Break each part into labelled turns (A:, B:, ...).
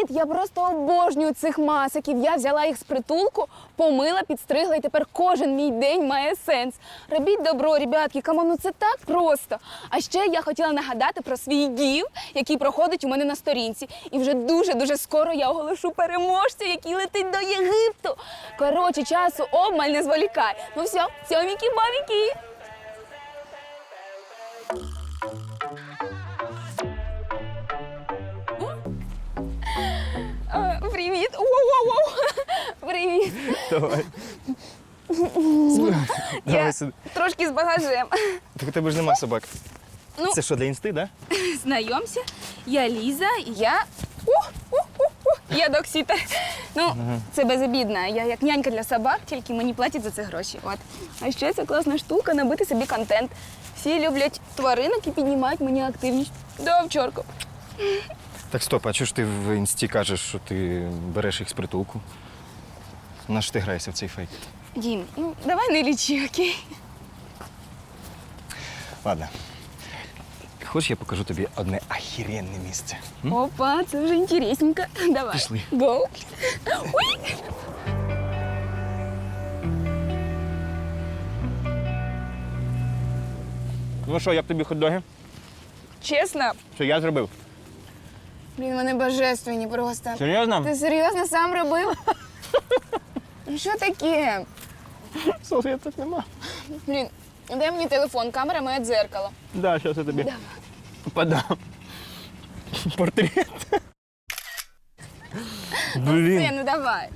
A: Привіт! Я просто обожнюю цих масиків. Я взяла їх з притулку, помила, підстригла, і тепер кожен мій день має сенс. Робіть добро, ребятки, камон, ну це так просто. А ще я хотіла нагадати про свій гів, який проходить у мене на сторінці. І вже дуже-дуже скоро я оголошу переможця, який летить до Єгипту. Коротше, часу обмаль, не зволікай. Ну все, цьоміки-бабіки. Привіт! Воу-воу-воу! Привіт!
B: Давай.
A: Я
B: Давай сюди.
A: трошки з багажем.
B: Так у тебе ж нема собак.
A: Ну.
B: Це що, для інсти, да?
A: Знайомся, я Ліза, я... Я доксітер. Ну, це безобідно. Я як нянька для собак, тільки мені платять за це гроші. От. А ще це класна штука набити собі контент. Всі люблять тваринок і піднімають мені активність. Да, овчарка.
B: Так стоп, а чого ж ти в інсті кажеш, що ти береш їх з притулку? На що ти граєшся в цей фейк?
A: Дім, ну давай не лічи, окей?
B: Ладно. Хочеш, я покажу тобі одне ахіренне місце? М?
A: Опа, це вже інтересненько. Давай.
B: Пішли.
A: Гоу. Ой.
B: Ну що, як тобі хот-доги?
A: Чесно?
B: Що я зробив?
A: Блін, вони божественні просто.
B: Серйозно?
A: Ти серйозно сам робив? Ну що таке?
B: Салфеток нема.
A: Блін, дай мені телефон, камера моє дзеркало.
B: Да, зараз я тобі
A: Давай.
B: подам. Портрет. Блін.
A: Все, ну давай.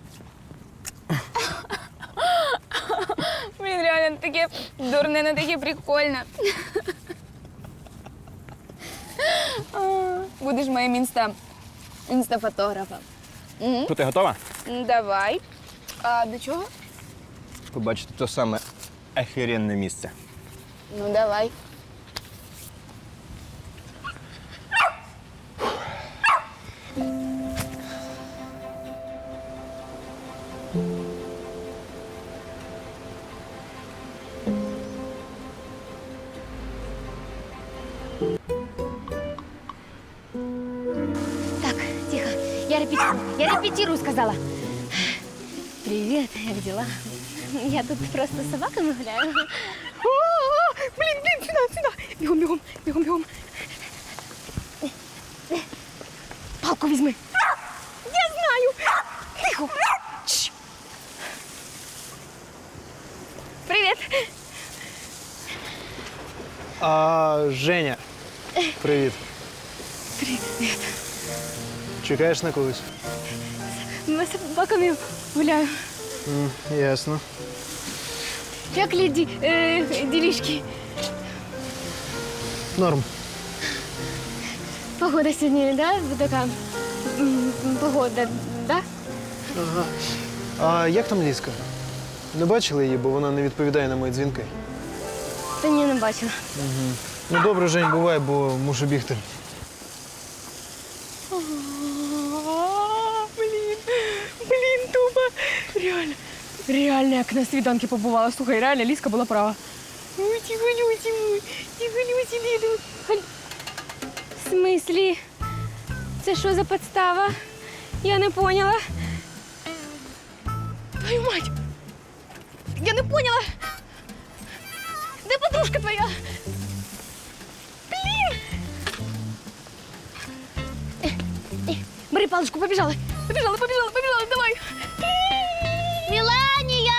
A: Блін, реально таке дурне, не таке прикольне. Будеш моїм інстафотографом.
B: Що, ти готова?
A: Давай. А до чого?
B: Побачити те саме ахіренне місце.
A: Ну, давай.
C: Так, тихо. Я репетирую, сказала. Привет, как дела? Я тут просто с собаками гуляю.
A: Блін, сюди. Бігом.
C: Палку візьми.
A: Я знаю. Тихо. Чш. Привіт.
D: Женя, привіт.
A: Привіт.
D: Чекаєш на когось?
A: Ми з собаками гуляю.
D: Ясно.
A: Як ділішки?
D: Норм.
A: Погода сьогодні, да? Така погода, да?
D: Ага. А як там Лізка? Не бачили її, бо вона не відповідає на мої дзвінки.
A: Та ні, не бачила.
D: Ну добре, Жень, бувай, бо мушу бігти.
A: Блін, тупо. Реально, як на свіданки побувала. Слухай, реально, Лізка була права. Ой, тихо, Ліду. В смислі? Це що за подстава? Я не поняла. Твою мать! Я не поняла! Де подружка твоя? Блін! Бери паличку, побіжали, давай!
C: Мелания!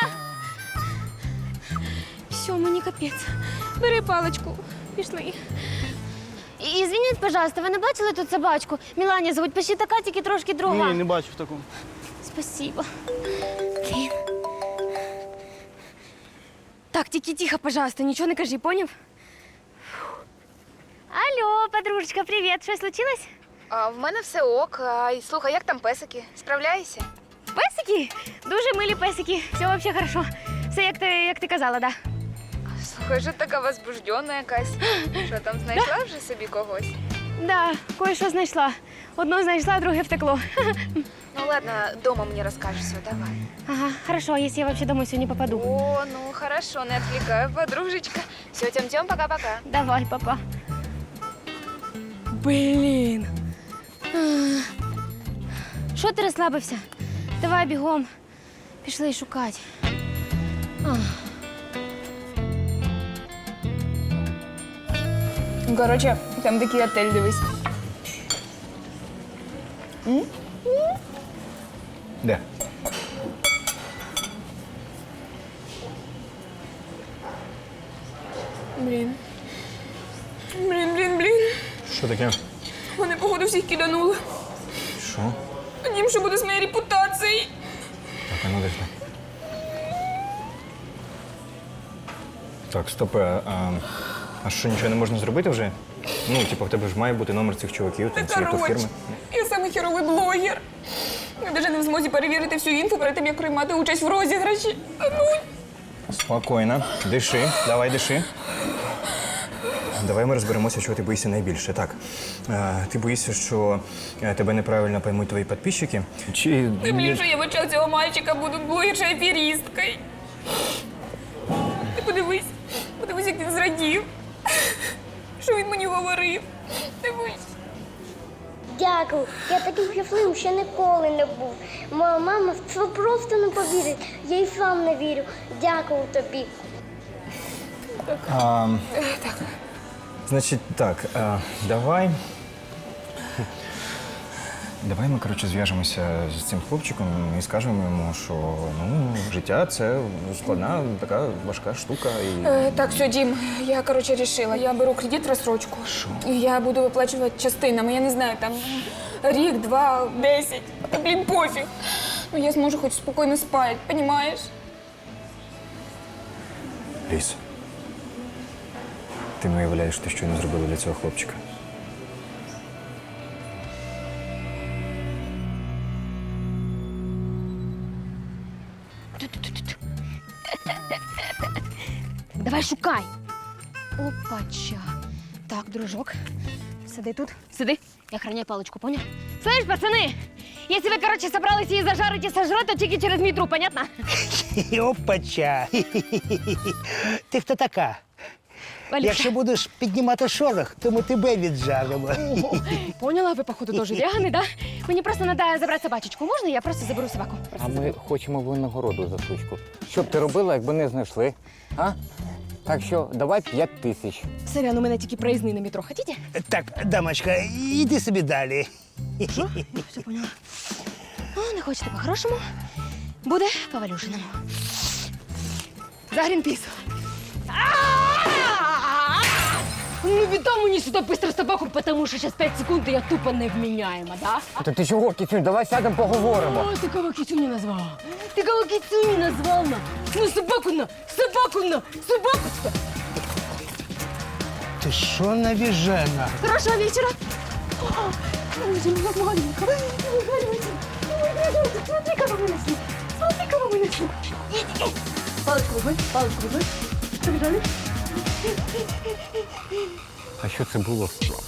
A: Все, мені капець. Бери паличку, пішли.
C: Извините, пожалуйста, ви не бачили тут собачку? Мелания звуть, почти така, тільки трошки друга.
D: не бачу в такому.
C: Спасибо.
A: Блін. Так, тільки тихо, пожалуйста, нічого не кажи, поняв?
C: Алло, подружечка, привіт. Щось случилось?
A: А в мене все ок. А, слухай, як там песики? Справляєшся?
C: Песики? Дуже милі песики. Все вообще хорошо. Все як ти казала, да.
A: Слухай, що така возбуждена якась. Що там, знайшла вже собі когось?
C: Да, кое-що знайшла. Одно знайшла, друге втекло.
A: Ну ладно, дома мені розкажеш все, давай.
C: Ага, хорошо, если я вообще домой сегодня попаду.
A: О, ну хорошо, не отвлекаю, подружечка. Все, тем-тем, пока-пока.
C: Давай, папа.
A: Блін.
C: Що ти розслабився? Давай бігом. Пішли шукати.
A: Коротше, там такий отель, дивись.
B: Де?
A: Блін.
B: Що таке?
A: Вони, походу, всіх киданули.
B: Що?
A: Дім, що буде з моєю репутацією?
B: Так, а ну десь. Так, стоп. А що, нічого не можна зробити вже? Ну, типу, в тебе ж має бути номер цих чуваків, там, цієї турфірми.
A: Я самий херовий блогер. Я навіть не в змозі перевірити всю інфу перед тим, як приймати участь в розіграші. А ну,
B: Спокійно. Диши. Давай, диши. Давай ми розберемося, чого ти боїшся найбільше. Так, ти боїшся, що тебе неправильно поймуть твої підписчики? Чи...
A: блін, що я в очах цього мальчика буду блогершою аферісткою. Ти подивись, як він зрадів. Що він мені говорив. Дивись.
E: Дякую. Я таким щасливим ще ніколи не був. Моя мама в це просто не повірить. Я й сам не вірю. Дякую тобі.
B: Значить так, давай. Давай ми, коротше, зв'яжемося з цим хлопчиком і скажемо йому, що ну, життя це складна, така важка штука. І...
A: Так, все, Дім, я, коротше, рішила. Я беру кредит в розстрочку.
B: Що?
A: І я буду виплачувати частинами. Я не знаю, там рік, 2, 10. Та, блін, пофіг. Ну, я зможу хоч спокійно спати, понімаєш?
B: Ліс, ти не уявляєш, ти що не зробила для цього хлопчика.
C: Давай шукай. Опача. Так, дружок, сиди тут. Сиди. Я охраняю палочку, понял? Слышь, пацаны, если вы, короче, собрались її зажарить і сожрать, то тільки через мій труп, понятно?
F: Опача. Ти хто така?
C: Валюша.
F: Якщо будеш піднімати шорох, то ми тебе віджаримо.
C: Поняла, ви, походу, теж вегани, да? Мені просто треба забрати собачечку. Можна? Я просто заберу собаку.
G: А ми хочемо винагороду за сучку. Що б ти робила, якби не знайшли? А? Так що давай 5 тисяч.
C: Сорян, у мене тільки проїзний на метро. Хотите?
F: Так, дамочка, іди собі далі.
C: Все поняла. Ну, не хочете по-хорошому? Буде по-валюшиному. За Грінпіс. Ну, віддай мені сюди быстро собаку, тому що зараз 5 секунд, і я тупо невміняєма, да?
G: Та ти чого, Кітюнь, давай сядемо поговоримо.
C: О, ты кого кицюню назвал? Ты кого кицюню назвал на? Ну, собаку на! Собаку на! Собаку сюда!
F: Ти що навіжена?
C: Хорошего вечера! Ой, как маленько! Не выгоняйте! Не выгоняйте! Смотри, кого мы нашли! Смотри, кого мы нашли! Палочку возьми! Побежали!
G: А що це було?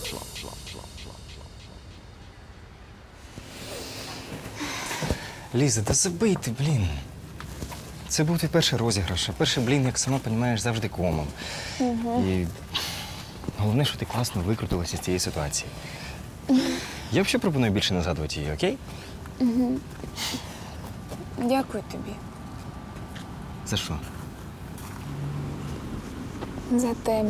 B: Ліза, да забий ти, блін. Це був твій перший розіграш, а перший блін, як сама розумієш, завжди комом. І головне, що ти класно викрутилася з цієї ситуації. Я взагалі пропоную більше не згадувати її, окей?
A: Дякую тобі.
B: За що?
A: За тебе.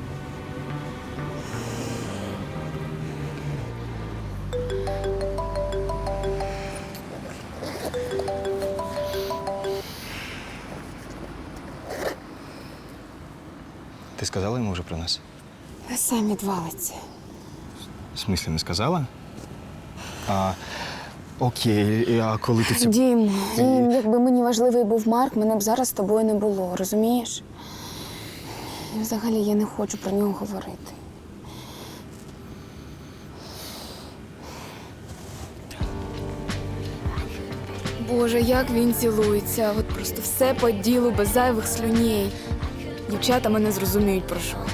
B: Ти сказала йому вже про нас?
A: Сам відвалиться.
B: В смислі, не сказала? Окей, а коли ти це...
A: Дім, якби мені важливий був Марк, мене б зараз з тобою не було, розумієш? І взагалі я не хочу про нього говорити. Боже, як він цілується. От просто все по ділу, без зайвих слюней. Дівчата мене зрозуміють, про що.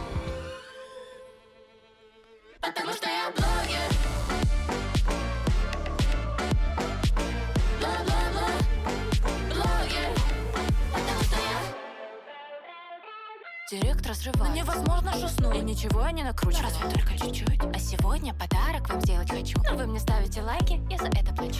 H: Директ разрывает. Но невозможно шуснуть. И ничего я не накручиваю. Разве только чуть-чуть. А сегодня подарок вам сделать хочу. Но вы мне ставите лайки, я за это плачу.